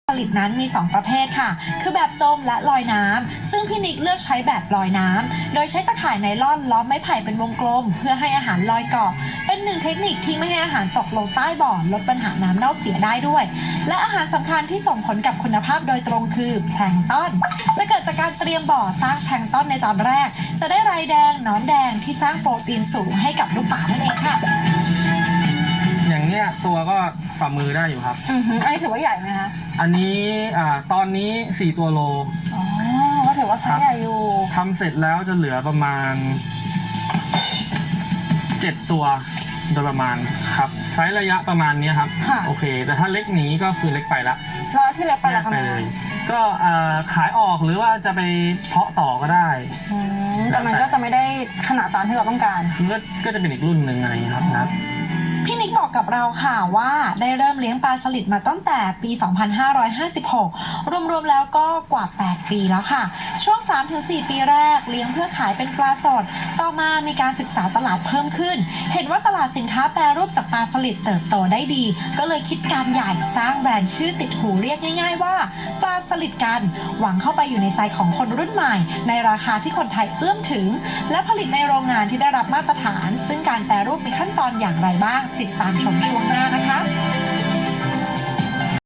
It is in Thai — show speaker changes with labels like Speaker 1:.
Speaker 1: ผลิตนั้นมี2ประเภทค่ะคือแบบจมและลอยน้ำซึ่งพี่นิกเลือกใช้แบบลอยน้ำโดยใช้ตะข่ายไนล่อนล้อมไม้ไผ่เป็นวงกลมเพื่อให้อาหารลอยเกาะเป็นหนึ่งเทคนิคที่ไม่ให้อาหารตกลงใต้บ่อลดปัญหาน้ำเน่าเสียได้ด้วยและอาหารสำคัญที่ส่งผลกับคุณภาพโดยตรงคือแพลงก์ต้นจะเกิดจากการเตรียมบ่อสร้างแพลงก์ต้นในตอนแรกจะได้ไรแดงหนอนแดงที่สร้างโปรตีนสูงให้กับลูกป่านั่นเองค่ะ
Speaker 2: อย่างเนี้ยตัวก็ฝ่ามือได้อยู่ครับ
Speaker 3: อันนี้ถือว่าใหญ่ไหมคะ
Speaker 2: อันนี้ตอนนี้4ตัวโล
Speaker 3: อ๋อก็ถือว่าไซส์ใหญ่อยู่
Speaker 2: ทำเสร็จแล้วจะเหลือประมาณ7ตัวโดยประมาณครับไซส์ระยะประมาณนี้ครับโอเคแต่ถ้าเล็กหนีก็คือเล็กไปละ
Speaker 3: แล้วที่เล็กไปละทำไม
Speaker 2: ก็ขายออกหรือว่าจะไปเพาะต่อก็ได้
Speaker 3: แต่มันก็จะไม่ได้ขนาดตามที่เราต้องการ
Speaker 2: ก็จะเป็นอีกรุ่นหนึ่งอะไรอย่างนี้ครับนะ
Speaker 1: พี่นิกบอกกับเราค่ะว่าได้เริ่มเลี้ยงปลาสลิดมาตั้งแต่ปี 2556 รวมๆแล้วก็กว่า 8 ปีแล้วค่ะ ช่วง 3-4 ปีแรกเลี้ยงเพื่อขายเป็นปลาสด ต่อมามีการศึกษาตลาดเพิ่มขึ้น เห็นว่าตลาดสินค้าแปรรูปจากปลาสลิดเติบโตได้ดี ก็เลยคิดการใหญ่สร้างแบรนด์ชื่อติดหูเรียกง่ายๆว่าปลาสลิดกันหวังเข้าไปอยู่ในใจของคนรุ่นใหม่ในราคาที่คนไทยเอื้อมถึงและผลิตในโรงงานที่ได้รับมาตรฐานซึ่งการแปรรูปมีขั้นตอนอย่างไรบ้างติดตามชมช่วงหน้านะคะ